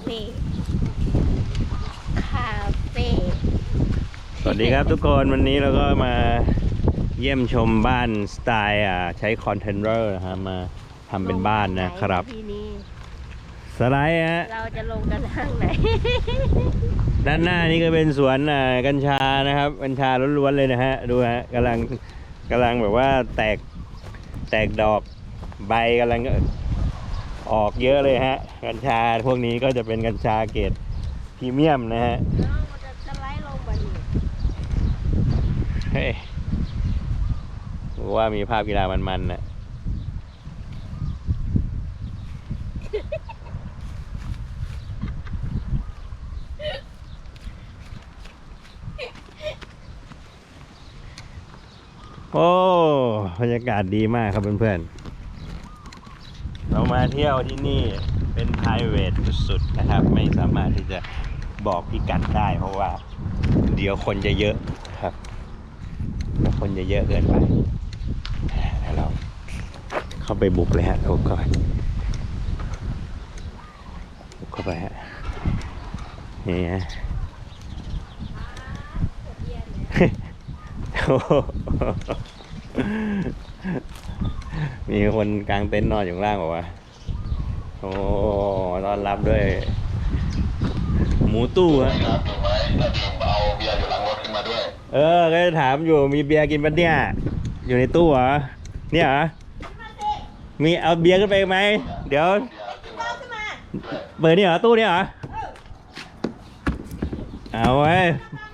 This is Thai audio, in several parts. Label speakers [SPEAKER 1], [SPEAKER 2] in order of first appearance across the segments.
[SPEAKER 1] เฟ่คาเฟ่
[SPEAKER 2] สวัสดีครับทุกคนวันนี้เราก็มาเยี่ยมชมบ้านสไตล์ใช้คอนเทนเนอร์นะฮะมาทำเป็นบ้านนะครับ
[SPEAKER 1] ที่นี่
[SPEAKER 2] สไลด์ฮะ
[SPEAKER 1] เราจะลงกันทางไหน
[SPEAKER 2] ด้านหน้านี่ก็เป็นสวนกัญชานะครับกัญชาล้วนๆเลยนะฮะดูฮะกำลังแบบว่าแตกดอกใบกำลังออกเยอะเลยฮะกัญชาพวกนี้ก็จะเป็นกัญชาเกรดพรีเมียมนะฮะ
[SPEAKER 1] เราจะสไลด์ลงมาดิ
[SPEAKER 2] เฮ้ยว่ามีภาพกีฬามันๆนะโอ้บรรยากาศดีมากครับเพื่อนๆเรามาเที่ยวที่นี่เป็น private สุดๆนะครับไม่สามารถที่จะบอกพิกัดได้เพราะว่าเดี๋ยวคนจะเยอะครับคนจะเยอะเกินไปแล้วเราเข้าไปบุกเลยฮะบุกเข้าไปฮะนี่ฮะ มีคนกลางเต็นท์นอนอยู่ข้างล่างบอกว่าโอ้ต้อนรับด้วยหมูตู้ฮะ
[SPEAKER 3] เอาเบียร์อยู่หลังรถขึ้นมาด้วย
[SPEAKER 2] ก็จะถามอยู่มีเบียร์กินปะเนี่ยอยู่ในตู้เหรอเนี่ยเหรอมีเอาเบียร์ขึ้นไปไหมเดี๋ยวเปิดนี่เหรอตู้นี่เหรอเอาไว้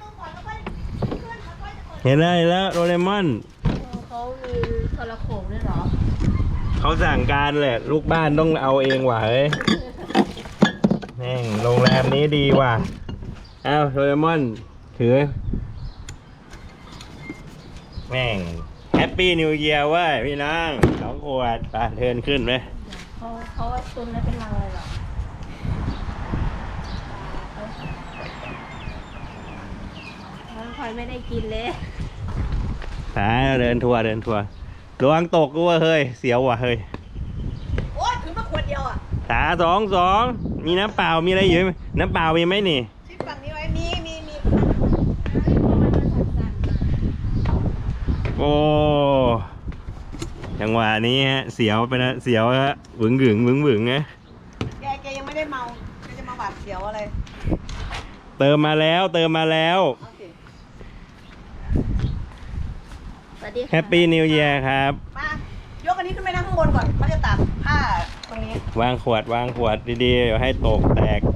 [SPEAKER 2] เห็นแล้วโดเรมอน
[SPEAKER 1] เขามีโทรโขงด้วยเหรอ
[SPEAKER 2] เขาสั่งการแหละลูกบ้านต้องเอาเองว่ะเฮ้ยแม่งโรงแรมนี้ดีว่ะเอาโดเรมอนถือแม่งแฮปปี้นิวเยียร์เว้ยพี่น้อง2 ขวดไปเทิร์นขึ้นไหม
[SPEAKER 1] เขาว่าตุนแล้วเป็นรังเลยเหรอพลอยไม่ได้กินเลย
[SPEAKER 2] เดินทัวร์ระวังตกกูว่าเฮ้ยเสียวว่ะเฮ้ย
[SPEAKER 4] โอ๊ยถึงมาขวดเดียวอ่ะ
[SPEAKER 2] 2 มีน้ำเปล่ามีอะไรอยู่ไหมน้ำเปล่ามีไหมนี่
[SPEAKER 4] ชิดฝั่งนี้ไว้มี
[SPEAKER 2] โอ้จังหวะนี้ฮะเสียวไปนะเสียวฮะหวึงไง
[SPEAKER 4] แกยังไม่ได้เมาแกจะมาหวาดเสียวอะไร
[SPEAKER 2] เติมมาแล้ว
[SPEAKER 4] โอเค
[SPEAKER 1] สวัสดีค่ะ
[SPEAKER 2] แฮปปี้นิวเยียร์ครับ
[SPEAKER 4] มายกอันนี้ขึ้นไปนั่งข้างบนก่อนเขาจะตัดผ้าตรงนี้
[SPEAKER 2] วางขวดดีๆอย่าให้ตกแตก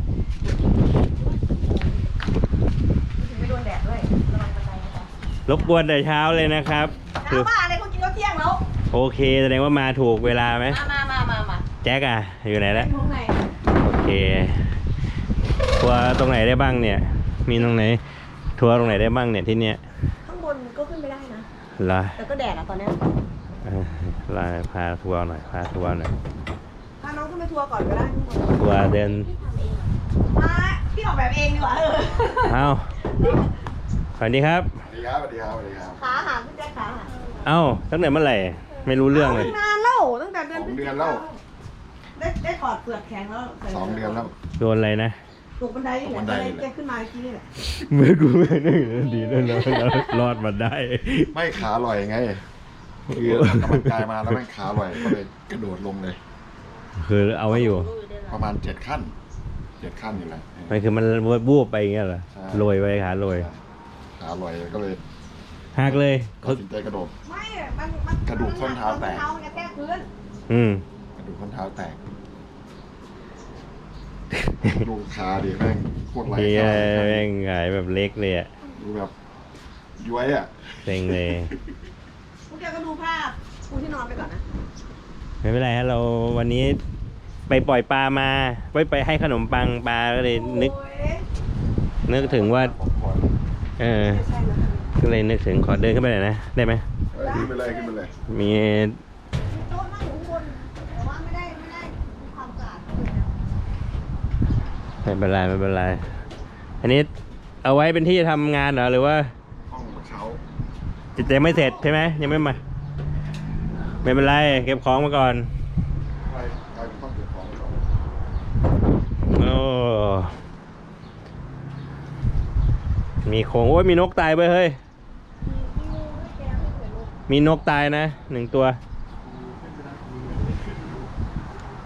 [SPEAKER 4] ถึงไม่โดนแดดด้วยระวังบันไดนะคะ
[SPEAKER 2] รบกวนแต่เช้าเลยนะครับคือ
[SPEAKER 4] น้ำบ้าอะไรคนกินข้าวเที่ยงแล้ว
[SPEAKER 2] โอเคแสดงว่ามาถูกเวลาไหม
[SPEAKER 4] มา
[SPEAKER 2] แจ็คอะอยู่ไหนแล้ว
[SPEAKER 4] ข้างใน
[SPEAKER 2] โอเคทัวร์ตรงไหนได้บ้างเนี่ย มีตรงไหนทัวร์ตรงไหนได้บ้างเนี่ยที่เนี้ย
[SPEAKER 4] ข้างบนก็ขึ้นไปได้นะ
[SPEAKER 2] ลา
[SPEAKER 4] แต่ก็แดดอ่ะตอนเนี้ย
[SPEAKER 2] ลาพาทัวร์หน่อย
[SPEAKER 4] พาน้องขึ้นไปทัวร์ก่อนก็ได้ข้างบน
[SPEAKER 2] ทัวร์เดิน
[SPEAKER 4] มาพี่ออกแบบเองดีกว่า
[SPEAKER 2] เอาสวัสดีครับ
[SPEAKER 3] สวัสดีครับ
[SPEAKER 4] ขาหักพี่แจ๊คขาหัก
[SPEAKER 2] เอ้าตั้งแต่เมื่อไหร่ไม่รู้เรื่องเลย
[SPEAKER 4] นานแล้วตั้งแต่เดือน
[SPEAKER 3] 2 เดือนแล้ว
[SPEAKER 4] ได้ถอดเปลือกแข็งแล้ว
[SPEAKER 3] 2 เดือนแล้ว
[SPEAKER 2] โดนอะไรนะ
[SPEAKER 4] ตกบันไดนี่แหละบันไดแกขึ้นมาเมื่อกี้นี่แหละ
[SPEAKER 2] เมื่อกูไม่นึกดีแล้วรอดมาได้
[SPEAKER 3] ไม่ขาลอยไงคือออกกำลังกายมาแล้วแม่งขาลอยก็เลยกระโดดลงเลย
[SPEAKER 2] คือเอาไว้อยู่
[SPEAKER 3] ประมาณ7 ขั้นอยู่แหละ
[SPEAKER 2] มันคือมันบูบไปอย่างเงี้ยเหรอ
[SPEAKER 3] ใช่
[SPEAKER 2] โรยไปขาโรย
[SPEAKER 3] ขาลอยก็เลย
[SPEAKER 2] หักเลย
[SPEAKER 3] ตัดสินใจกระโดด
[SPEAKER 4] ไม่มัน
[SPEAKER 3] กระดูกส้นเท้าแตก
[SPEAKER 4] เท้ามันกระแทกพื้น
[SPEAKER 2] อืม
[SPEAKER 3] กระดูกข้อเท้าแตกดูขาดิแม่งโคตรไหล
[SPEAKER 2] เฮีย
[SPEAKER 3] ขา
[SPEAKER 2] แม่งหงายแบบเล็กเลยอะ
[SPEAKER 3] ดูแบบย้วยอ่ะ
[SPEAKER 2] เซ็งเลย
[SPEAKER 4] พวกแกก็ดูภาพปูที่นอนไปก่อนนะ
[SPEAKER 2] ไม่เป็นไรฮะเราวันนี้ไปปล่อยปลามาไปให้ขนมปังปลาก็เลยนึก
[SPEAKER 4] โอ้ย
[SPEAKER 2] ถึงว่า
[SPEAKER 3] ผมขอ
[SPEAKER 4] ไม่ใช่นะ
[SPEAKER 2] ก็เลยนึกถึงขอเดินขึ้นไปหน่อยนะได้ไหม
[SPEAKER 3] ขึ้นไปเลย
[SPEAKER 2] มี
[SPEAKER 4] โต๊ะนั่งอยู่ข้างบนแต่ว่าไม่ได้มีความสะอาด
[SPEAKER 2] ไม่เป็นไรอันนี้เอาไว้เป็นที่ทำงานเหรอหรือว่า
[SPEAKER 3] ห้องเช้า
[SPEAKER 2] จะไม่เสร็จใช่ไหมยังไม่มาไม่เป็นไรเก็บของมาก่อน
[SPEAKER 3] ไปกลายเป็นห้องเก็บของ
[SPEAKER 2] โอ้มีโครงโอ้ยมีนกตายไปเฮ้ย
[SPEAKER 4] มีงูด้วยแกไม่เคยรู้
[SPEAKER 2] มีนกตายนะ1 ตัว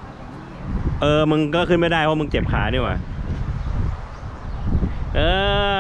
[SPEAKER 2] มึงก็ขึ้นไม่ได้เพราะมึงเจ็บขานี่หว่าเออ